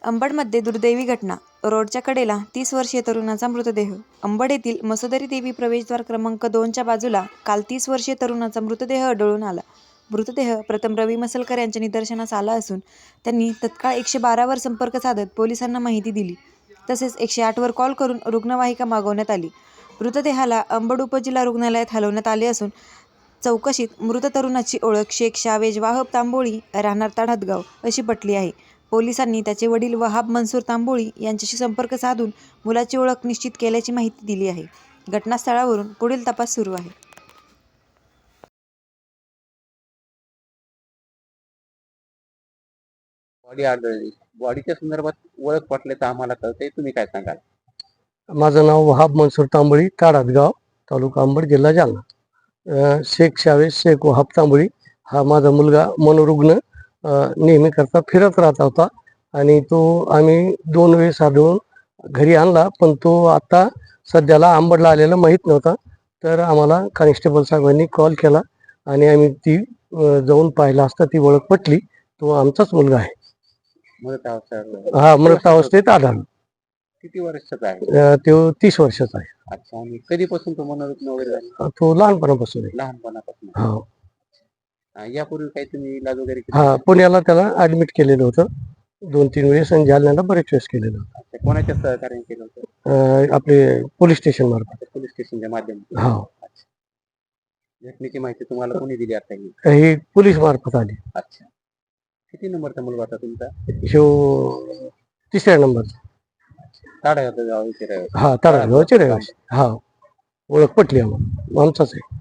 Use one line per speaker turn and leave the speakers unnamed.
अंबडमध्ये दुर्दैवी घटना. रोडच्या कडेला 30 वर्षीय तरुणाचा मृतदेह. अंबड येथील मसोदरी देवी प्रवेशद्वार क्रमांक 2च्या बाजूला काल 30 वर्षीय तरुणाचा मृतदेह आढळून आला. मृतदेह प्रथम रवी मसलकर यांच्या निदर्शनास आला असून त्यांनी तत्काळ 112 वर संपर्क साधत पोलिसांना माहिती दिली. तसेच 108 वर कॉल करून रुग्णवाहिका मागवण्यात आली. मृतदेहाला अंबड उपजिल्हा रुग्णालयात हलवण्यात आले असून चौकशीत मृत तरुणाची ओळख शेख शावेज वाहब तांबोळी राहणार ताडहदगाव अशी पटली आहे. पोलिसांनी त्याचे वडील वहाब मनसूर तांबोळी यांच्याशी संपर्क साधून मुलाची ओळख निश्चित केल्याची माहिती दिली आहे. घटनास्थळावरून पुढील तपास सुरू आहे.
बॉडी आढळली. बॉडीच्या संदर्भात ओळख पटल्याचं आम्हाला कळतंय, तुम्ही काय सांगाल?
माझं नाव वहाब मनसूर तांबोळी, ताडहदगाव, तालुका अंबड, जिल्हा जालना. शेख शावेज शेख वहाब तांबोळी हा माझा मुलगा मनोरुग्ण नेहमी करता फिरत राहत होता आणि तो आम्ही 2 वेळेस आढळून घरी आणला, पण तो आता सध्याला अंबडला आलेला माहीत नव्हता. तर आम्हाला कॉन्स्टेबल साहेबांनी कॉल केला आणि आम्ही ती जाऊन पाहिला असता ती ओळख पटली. तो आमचाच मुलगा आहे.
मृत अवस्था
हा मृत अवस्थेत आढळला.
किती वर्षाचा आहे?
तो 30 वर्षाचा आहे.
अच्छा. आणि कधीपासून तो मनोरुग्ण वगैरे झाला?
तो लहानपणापासून आहे.
लहानपणापासून.
हो.
यापूर्वी काही तुम्ही इलाज वगैरे केला?
हा, पुण्याला त्याला ऍडमिट केलेलं होतं 2-3 वेळेस आणि जालन्याला बरेच वेळेस केलेलं होतं.
अच्छा. कोणाच्या सहकार्याने केलं होतं?
आपले पोलीस स्टेशन मार्फत.
पोलीस स्टेशनच्या माध्यमातून.
हो.
घटनेची माहिती तुम्हाला कोणी दिली आता ही?
ही पोलीस मार्फत आली.
अच्छा. किती नंबरचा मुलगा होता तुमचा?
ह्यो 3ऱ्या नंबरचा.
ताडहदगाव इथे रहिवासी.
हा, ताडहदगावचे रहिवासी. हा, ओळख पटली आम्हाला, आमचाच आहे.